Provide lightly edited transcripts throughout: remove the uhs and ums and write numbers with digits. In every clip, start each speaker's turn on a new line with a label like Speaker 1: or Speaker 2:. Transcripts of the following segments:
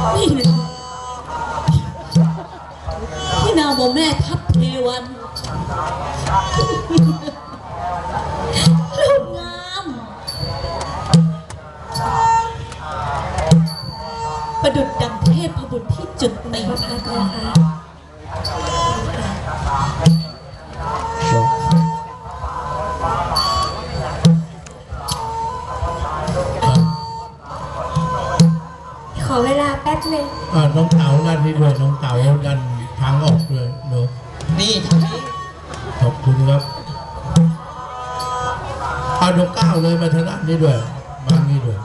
Speaker 1: นี่นะที่นามว่าแม่ทัพเทวันรูปงามประดุจดังเทพบุตรที่จุดตีพระพักตร์
Speaker 2: ขอเวลาแป๊บนึง
Speaker 3: น้องเต๋าด้านนี้ด้วยน้องเต๋าด้านทางออกด้วยเนอะ
Speaker 4: นี่ทางนี้
Speaker 3: ขอบคุณครับน้องก้าวเลยมาทางด้านนี้ด้วยมางี้ด้วย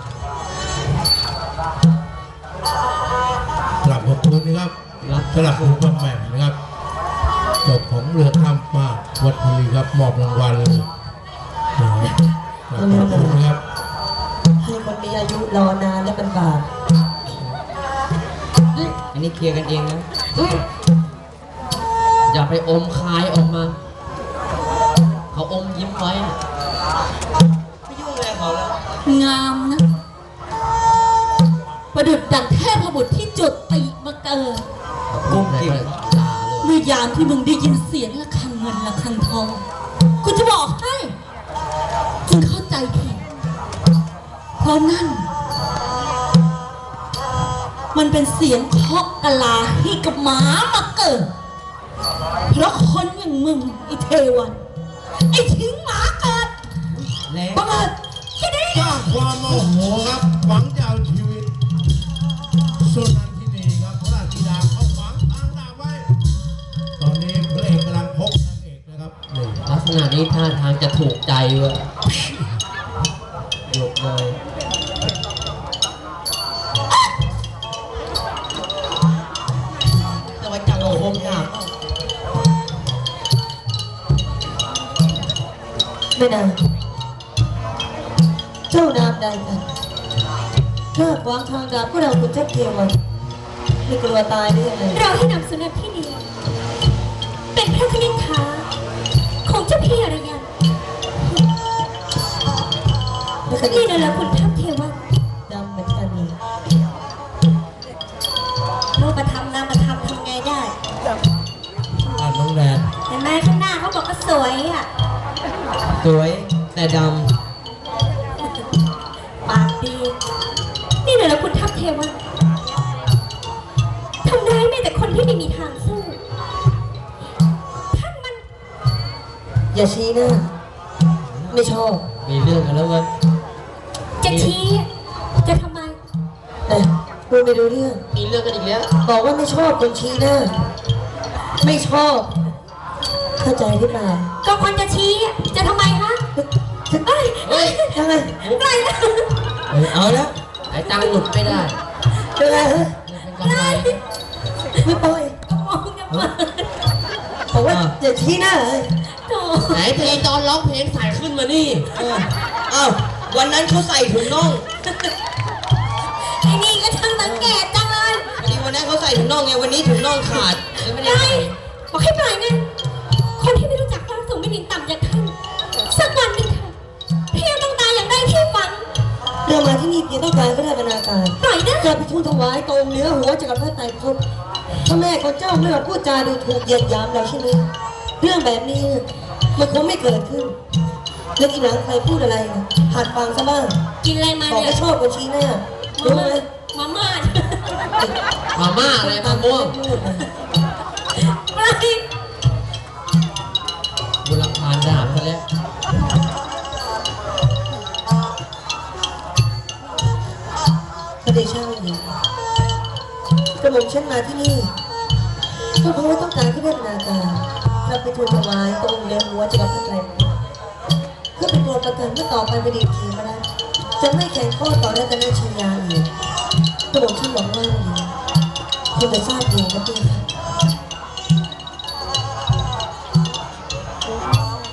Speaker 3: กลับขอบคุณนะครับสลับคุณพ่อแม่นะครับจบของเรือข้ามฟ้าวัดบุรีครับมอบรางวัลเลยขอบคุณครับ
Speaker 5: ให้คนมีอายุรอนานและเป็นบาป
Speaker 4: อันนี้เคลียร์กันเองนะอย่าไปอมคายออกมาเขาอมยิ้มไว้ไม่ยุ่งอะไรเขาแล้ว
Speaker 1: งามนะประดุจดังเทพบุตรที่จุดตีมาเกิด
Speaker 4: กุ้งกิ่ง
Speaker 1: เมื่อยามที่มึงได้ยินเสียงระฆังเงินระฆังทองกูจะบอกให้มึงเข้าใจผิดเพราะนั่นมันเป็นเสียงเคาะกะลาให้กับหมามาเกิดเพราะคนอย่างมึงไอ้เทวันไอ้ทิ้งหมาเกิดบังเอิญแค่นี้
Speaker 3: สร้างความโมโหครับหวังจะเอาชีวิตสุนันทินีครับพระราชธิดาเขาหวังทางดาบไว้ตอนนี้พระเอกกำลังพบนางเอกนะครับ
Speaker 4: ลักษณะนี้ท่าทางจะถูกใจวะหยุดเลยจะไปจับโคมดาบ
Speaker 5: ไม่นานเจ้านามใดกันถ้าขวางทางดาบพวกเราคุณเจ้าเทวันไม่กลัวตายได้ยังไง
Speaker 2: เราให้นำสุนัขที่นี่เป็นพระคณิษฐาของเจ้าพี่อรยันนี่นะละคุณทัพเทวัน
Speaker 5: ดำเหมือนกันนี่
Speaker 2: รูปธรรมนามธรรมทำไงได้
Speaker 3: น้องแดน
Speaker 2: เห็นไหมข้างหน้าเขาบอกว่าสวยอ่ะ
Speaker 4: สวยแต่ด
Speaker 2: ปากดีนี่นะละคุณทัพเทวันทำได้ไม่แต่คนที่ไม่มีทางสู้ท่านมัน
Speaker 5: อย่าชี้หน้าไม่ชอบ
Speaker 4: มีเรื่องกันแล้ววะ
Speaker 2: จะชี้จะทำไม
Speaker 5: พูดไม่รู้เรื่อง
Speaker 4: มีเรื่องกันอีกแล้ว
Speaker 5: บอกว่าไม่ชอบคนชี้หน้าไม่ชอบเข้าใจหรือเปล่า
Speaker 2: ก็คนจะชี้จะทำไมคะ
Speaker 5: เฮ้ยยังไง
Speaker 2: ไงล่ะ
Speaker 4: เอาแล้วไอ้ตังหลุดไม่ได้
Speaker 5: เป็นไรฮะไม่ปล่อย
Speaker 2: มองจะมา
Speaker 5: บอกว่าอย่าชี้หน้าเลย
Speaker 4: ไหนเพลงตอนร้องเพลงใส่ขึ้นมานี่อ้าววันนั้นเขาใส่ถุงน่อง
Speaker 2: ไอ้นี่ก็ช่างสังเกตจังเลย
Speaker 4: วันนั้นเขาใส่ถุงน่องไงวันนี้ถุงน่องขาด
Speaker 2: ไม่ได้บอกให้ปล่อยไงคนที่ไม่รู้จักความสูงไม่ถึงต่ำอย่างท่านสักวันหนึ่งค่ะพี่ต้องตายอย่างได้ที่ฝัน
Speaker 5: เรามาที่นี่เพียงต้องการก็ได้บรรณาการ
Speaker 2: ปล่อยนะ
Speaker 5: จะไปทูลถวายตรงเนื้อหัวจักรพรรดิไตรภพพระแม่ของเจ้าไม่มาพูดจาดูถูกเหยียดหยามเราใช่ไหมเรื่องแบบนี้มันคงไม่เกิดขึ้นแล้วอีหลังใครพูดอะไรหัดฟังซะบ้าง
Speaker 2: กินอะไรมา
Speaker 5: เนี่ยบอกว่าชอบคนชี้หน้ารู้ไหม
Speaker 2: มาม่า
Speaker 4: อะไรมะม่วง
Speaker 2: อะไร
Speaker 4: บุรพาดาบซะแล้ว
Speaker 5: พระเดชะหญิงกระหม่อมฉันมาที่นี่ก็เพราะว่าต้องการที่ได้บรรณาการเราไปทูลถวายตรงเรือหัวจักรพรรดิไตรภพเพื่อเป็นตัวประกันเมื่อต่อไปเป็นดีทีมาได้จะไม่แข่งข้อต่อรัตนชยาอีกกระหม่อมฉันหวังว่าคุณจะทราบดีนะพี่